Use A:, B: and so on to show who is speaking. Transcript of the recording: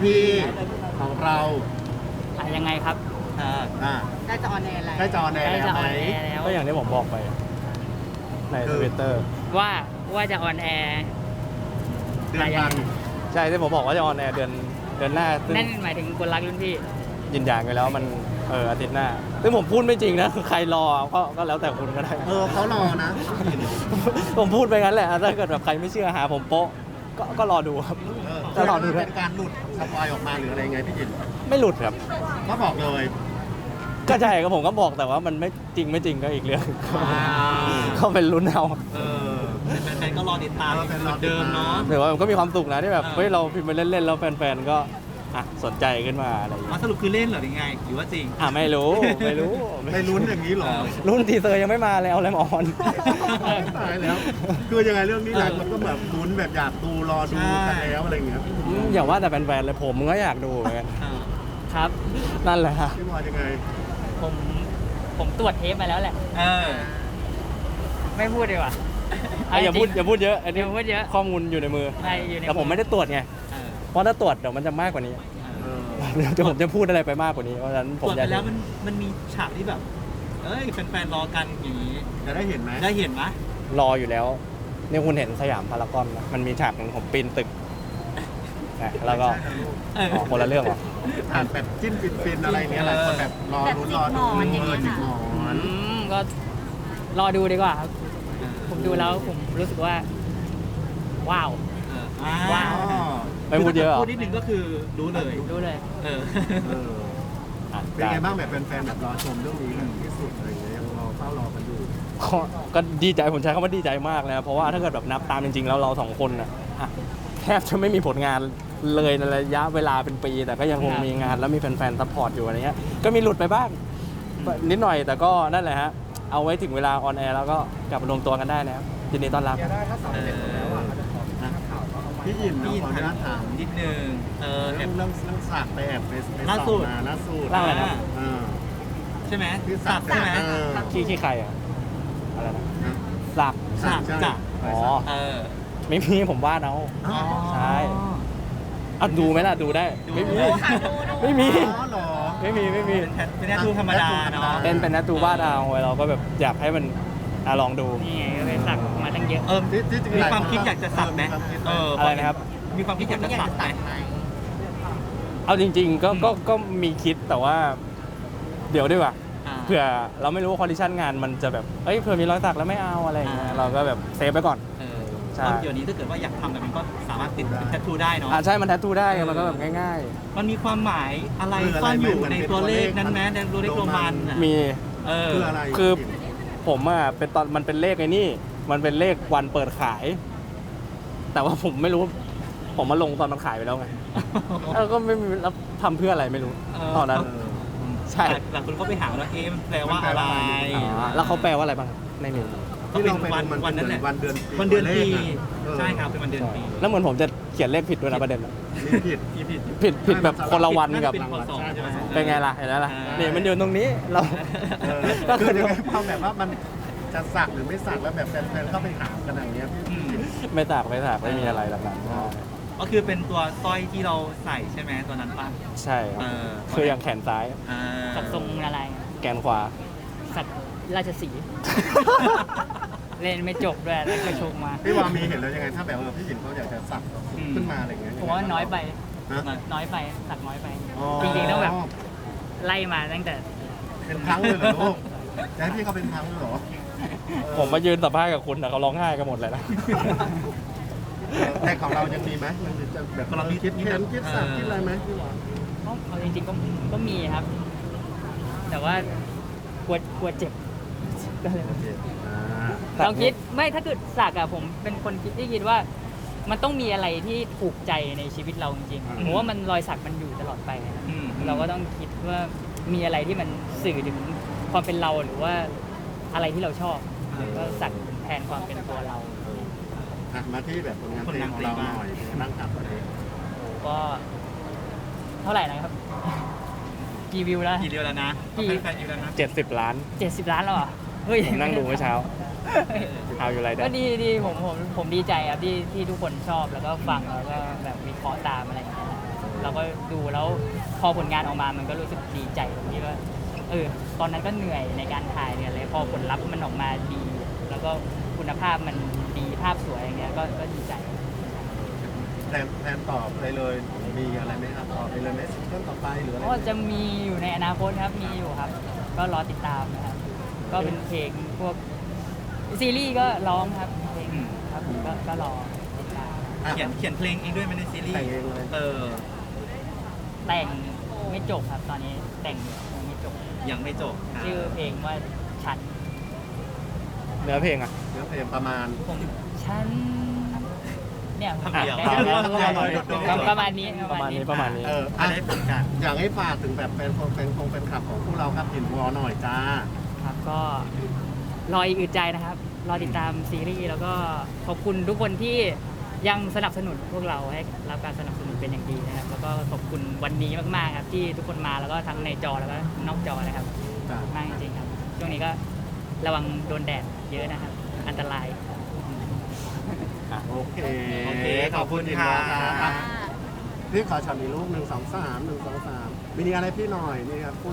A: พีของเรา
B: ยังไงครับ
A: อ่า
C: ใกล้จะออนแอร์แล้ว
A: ใกล้จอแน
B: ใกล้
A: แล้
B: จะ
A: ว
B: อ
A: ไหม
B: อนแอร์แล้ว
D: ก็อย่างที่ผมบอกไปใน
A: คือ
D: Twitter
B: ว่าจะออนแอร์
A: เดือนกัน
D: ใช่ที่ผมบอกว่าจะออนแอร์เดือนหน้าซึ่ง
B: นั่นหมายถึงคนรักรุ่นพี่
D: ยืนยันไปแล้วมันอาทิตย์หน้าซึ่งผมพูดไม่จริงนะใครรอก็แล้วแต่คุณก็ได้
A: เขารอนะ
D: ผมพูดไปงั้นแหละถ้าเกิดแบบใครไม่เชื่อหาผมโป๊ะก็รอดูครับ
A: จะรอดูเป็นการหลุดสปอยออกมาหรืออะไรไงพี่จิน
D: ไม่หลุดครับ
A: ก็บอกเลย
D: ก็ใช่ก็ผมก็บอกแต่ว่ามันไม่จริงไม่จริงก็อีกเรื่องก็เป็นลุ้นเอา
E: แฟนๆก็รอติดตาม
A: เป็น
E: เหมือนเดิมเนาะ
D: แต่ว่ามันก็มีความสุขนะที่แบบ
E: เออ
D: เฮ้ยเราพิมพ์ไปเล่นๆแล้วแฟนๆก็สนใจขึ้นมาอะไรอย่าง
E: มา
D: เงี้ย
E: สรุปคือเล่นเหรอหรือไงหรือว่าจริง
D: ไม่รู้ ไม่รู้
A: ไปลุ้นอย่างนี้เหรอ
D: รุ่นทีเซอร์ยังไม่มาเลยเอาอะไรมาออน
A: ตายแล้ว คือยังไงเรื่องนี้หลายคนก็แบบลุ้นแบบอยากดูรอดูกันแล้วอะไรอย่างเงี้ย
D: อย่าว่าแต่แฟนๆเลยผมก็อยากดูเหมือนกัน
B: ครับ
D: นั่นแหละฮะ
A: พี่บอยยังไง
B: ผมตรวจเทปมาแล้วแหละ ไม่พูดดีกว่า
D: อย่าพูดเยอะอันนี้
B: อย่าพูดเยอะ
D: ข้อมูลอยู่ในมือ
B: ใช่อยู่ใน
D: แต่ผมไม่ได้ตรวจไงเพราะถ้าตรวจเดี๋ยวมันจะมากกว่านี้เดี๋ยวผมจะพูดอะไรไปมากกว่านี้เพราะฉะนั้นผ
E: ตร
D: ม
E: วจ
D: อยา
E: ไป
D: ก
E: แล้วมันมีฉากที่แบบ เอ้ยแฟนๆรอกันอย่างนี้
A: จะได้เห็นไหม
E: ได้เห็นไหม
D: รออยู่แล้วนี่คุณเห็นสยามพารากอนนะมันมีฉากหนึ่งผมปีนตึกนะแล้วก็
E: เออ
D: คนละเรื่องเหรอ
A: อ่านแบบจิ้นฟินๆอะไรเนี้ยหลายคนแบบรอลุ้นรอดูจิกหมอน
B: ก็รอดูดีกว่าครับ ผมดูแล้วผมรู้สึกว่า ว้าว
E: ว้าว
D: ไม่พูดเยอะเหรอ
E: พูดนิดนึงก็คือรู้เลย
B: รู้เลย
E: เออ
A: เป็นไงบ้างแบบแฟนๆแบบรอชมเรื่องนี้กันที่สุดอะไรเงี้ยยังรอเฝ้ารอกันอยู่
D: ก็ดีใจผมใช้คำว่าดีใจมากนะเพราะว่าถ้าเกิดแบบนับตามจริงๆแล้วเราสองคนน่ะแทบจะไม่มีผลงานเลยในระยะเวลาเป็นปี แต่ก็ยังคงมีงานแล้วมีแฟนๆซัพพอร์ตอยู่อะไรเงี้ยก็มีหลุดไปบ้างนิดหน่อยแต่ก็นั่นแหละฮะเอาไว้ถึงเวลาออนแอร์แล้วก็กลับมารวมตัวกันได้นะครับยินดีต้อนรับ
A: พี่ยินนะขออนุญาตถาม
E: นิดนึงแอ
A: เรื่อบ งสากไปแอบไป
E: ล่าสุด
A: มาล่าสุด
D: ล่าอะไรนะ
E: ใช่ไหม
A: ที่
E: สั
A: สาก
E: กใช่ไหม
D: ขี้ใครอ่ะอะไรนะสาก
E: สักจ้ะ
D: อ๋อ
E: เออ
D: ไม่มีผมวาดเอา ใช่ ดูไหมล่ะดูได้ไม่มีไม่มี
A: อ๋อเหรอ
D: ไม่มี
E: เป็นแนทูธรรมดาเนาะ
D: เป็นนัตตูวาดเอาไว้เราก็แบบอยากให้มันลองดู
B: นี่ไงก็เลยสักมาตั้งเยอะ
A: ที่จริง
E: มี
A: หลาย
E: ความคิดอยากจะสักไหม
D: อะไรนะครับ
E: มีความคิดอยากจะสักไหม
D: เอาจริงๆก็มีคิดแต่ว่า เดี๋ยวดีกว่าเผื่อเราไม่รู้ว่าคอนดิชันงานมันจะแบบเผื่อมีรอยสักแล้วไม่เอาอะไรอย่างเงี้ยเราก็แบบเซฟไปก่อน ใช่
E: เดี๋ยวนี้ถ้าเกิดว่าอยากทำแบบนี้ก็สามารถติดเป็นแทททูได้เนาะ
D: ใช่มันแทททูได้มันก็แบบง่าย
E: มันมีความหมายอะไรซ่อนอยู่ในตัวเลขนั้นไหมในตัวเลขโรมันอ่ะ
D: ๆ มี
A: คืออะไร
D: คือ ผมเป็นตอนมันเป็นเลขไอ้นี่ มันเป็นเลขวันเปิดขาย แต่ว่าผมไม่รู้ ผมมาลงตอนมันขายไปแล้วไง แล้วก็ไม่มีแล้วทำเพื่ออะไรไม่รู้ตอนนั้น ใช่
E: หลายคนก็ไปหาว่ามันแปลว่าอะไร
D: แล้วเขาแปลว่าอะไรบ้างครับในนี้
E: ก็เป็นวันนั้นแหละ
A: วันเดือน
E: วันเดือนปีใช่ครับเป็นวันเดือนปี
D: แล้วเหมือนผมจะเขียนเลขผิดด้วยนะประเด็นอะ
A: ผิด
D: ผิดแบบคนละวันกับ
E: เป็นพศใช่ไหม
D: เป็นไงล่ะเห็นแล้วล่ะนี่มันอยู่ตรงนี้เรา ก็
A: คื
D: คือ อ
A: ยังไงความแบบว่ามันจะสักหรือไม่สักแล้วแบบแฟนๆเข้าไปถามกันอย่างเงี้ยพี่
D: ไม่ตากไม่มีอะไรหลักนั้น
E: ก็คือเป็นตัวสร้อยที่เราใส่ใช่ไหมตัวนั้นป่ะ
D: ใช่ครับคืออย่างแขนซ้าย
B: สักทรงอะไร
D: แกนขวา
B: สักราชสีห์ เล่นไม่จบด้วยแล้วก็โชกมา
A: พี่วามีเห็นแล้วยังไงถ้าแบบพี่หญิงเขาอยากจะสักขึ้นมาอะไรเงี้ย
B: ผมว่าน้อยไป
A: นะ
B: น้อยไป สักน้อยไป จริงๆต้องแบบไล่มาตั้งแต่
A: เป็นครั้งเลยเหรอลูกจะให้พี่เขาเป็นครั้งเลยเหรอ
D: ผมมายืนสัมภาษณ์กับคุณแต่เขาร้องไห้กันหมดเลยนะ
A: แต่ของเรายังมีไหมมันจะแบบเราคิดสักคิดอะไรไหมพี่วา
B: เอาจริงๆก็มีครับ แต่ว่ากลัวเจ็บก็เลยลองคิดไม่ถ้าเกิดสักอะผมเป็นคนคิดว่า มันต้องมีอะไรที่ถูกใจในชีวิตเราจริงๆผมว่ามันรอยสักมันอยู่ตลอดไปนะเราก็ต้องคิดว่ามีอะไรที่มันสื่อถึงความเป็นเราหรือว่าอะไรที่เราชอบก็สักแทนความเป็นตัวเรา
A: มาที่แบบผลงานเพลงของเราหน่อยนั่งกับประเด็น
B: ก็เท่าไหร่นะครับ กี่วิวแล้ว
E: กี่เดียวแล้วนะ
B: กี่
E: แฟนๆอยู่แล้วนะ
D: 70 ล้าน
B: 70 ล้านแล้วเหรอเฮ้ย
D: ผมนั่งดูเมื่อเช้า เอาอยู่ไรเด้
B: ก็ดีผมดีใจครับที่ทุกคนชอบแล้วก็ฟังแล้วก็แบบวิเคราะห์ตามอะไรอย่างเงี้ยเราก็ดูแล้วพอผลงานออกมามันก็รู้สึกดีใจตรงที่ว่าตอนนั้นก็เหนื่อยในการถ่ายเนี่ยอะไรพอผลลัพธ์มันออกมาดี แล้วก็คุณภาพมันดีภาพสวยอย่างเงี้ยก็ดีใจ
A: แทนตอบไปเลยมีอะไรไหมครับตอบไปเลยไหมเรื่องต่อไปหรืออะไร
B: ก็จะมีอยู่ในอนาคตครับมีอยู่ครับ ก็รอติดตามนะครับ ก็เป็นเพลงพวกซีรีส์ก็ร้องครับเพลงครับผมก็รอติดตาม
E: เขียนเพลงเองด้วยไหมในซีรีส์
A: แต่งเองเลย
B: แต่งไม่จบครับตอนนี้แต่งยังไม่จบ
E: ยังไม่จบ
B: ชื่อเพลงว่าฉัน
D: เนื้อเพลงอ่ะ
A: เรื่องเพลงประมาณ
B: ฉันเนี่ย
E: คำเดียว
B: ได้แล้วประมาณนี้
D: ประมาณนี้
E: จะได้ผลกัน
A: อยากให้ฝากถึงแบบเป็นขับของพวกเราครับหินวอหน่อยจ้า
B: ครับก็รออีกอึดใจนะครับ รอติดตามซีรีส์แล้วก็ขอบคุณทุกคนที่ยังสนับสนุนพวกเราให้รับการสนับสนุนเป็นอย่างดีนะครับ แล้วก็ขอบคุณวันนี้มากๆครับที่ทุกคนมาแล้วก็ทั้งในจอแล้วก็นอกจอนะครับ
A: จ้ะ
B: มากจริงๆครับ ช่วงนี้ก็ระวังโดนแดดเยอะนะครับ อันตราย
A: โอเค
E: โอเคขอบคุณค่ะ
A: พี่ขอช็อตอีกรูป1 2 3 1 2 3มีอะไรพี่หน่อยนี่ครับ